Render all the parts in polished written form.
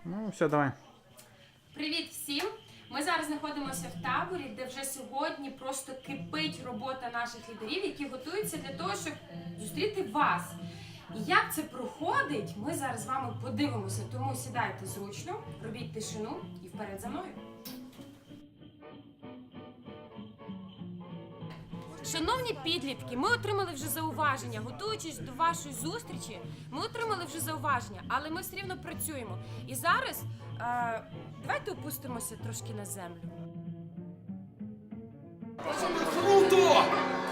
Ну, все, давай. Привіт всім! Ми зараз знаходимося в таборі, де вже сьогодні просто кипить робота наших лідерів, які готуються для того, щоб зустріти вас. І як це проходить, ми зараз з вами подивимося, тому сідайте зручно, робіть тишину і вперед за мною. Шановні підлітки, ми отримали вже зауваження. Готуючись до вашої зустрічі, ми отримали вже зауваження, але ми все рівно працюємо. І зараз давайте опустимося трошки на землю. Круто!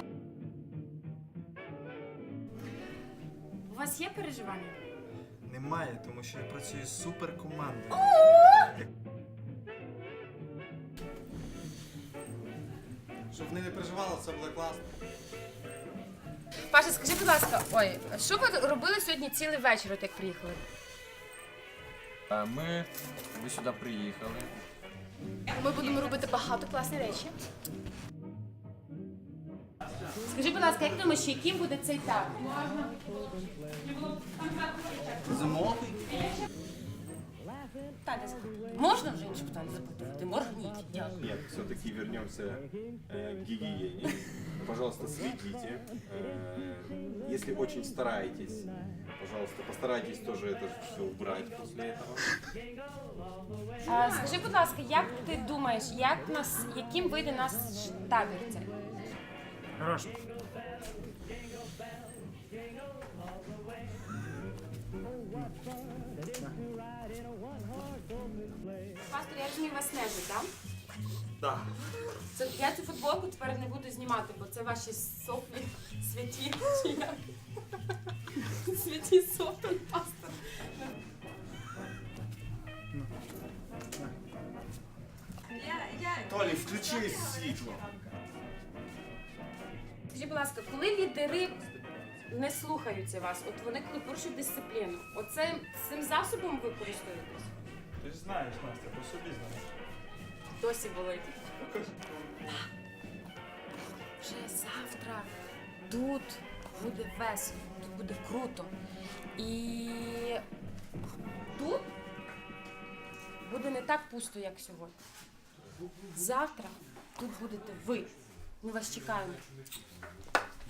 У вас є переживання? Немає, тому що я працюю з суперкомандою. Щоб вони не переживали, це буде класно. Паша, скажи, будь ласка, що ви робили сьогодні цілий вечір, от як приїхали? Ви сюди приїхали. Ми будемо робити багато класних речі. Скажи, будь ласка, як думаєш, яким буде цей табір? Зимовий? Можна вже інше питання запитувати? Моргніть. Дякую. Нет, все-таки вернемся к гигиене. Пожалуйста, следите. Если очень стараетесь, пожалуйста, постарайтесь тоже это все убрать после этого. Скажи, будь ласка, як ти думаєш, яким вийде наш табір цей? Хорошо. Пастор, я розумію, вас нежить, так? Так. Я цю футболку тепер не буду знімати, бо це ваші соплі святі, чи як? Святі соплі, пастор. Толі, включи світло. Скажіть, будь ласка, коли лідери не слухаються вас, от вони коли порушують дисципліну, цим засобом ви користуєтесь? Ти ж знаєш, Настя, по собі знаєш. Досі болить. Вже завтра тут буде весело, тут буде круто. І тут буде не так пусто, як сьогодні. Завтра тут будете ви. Ми вас чекаємо.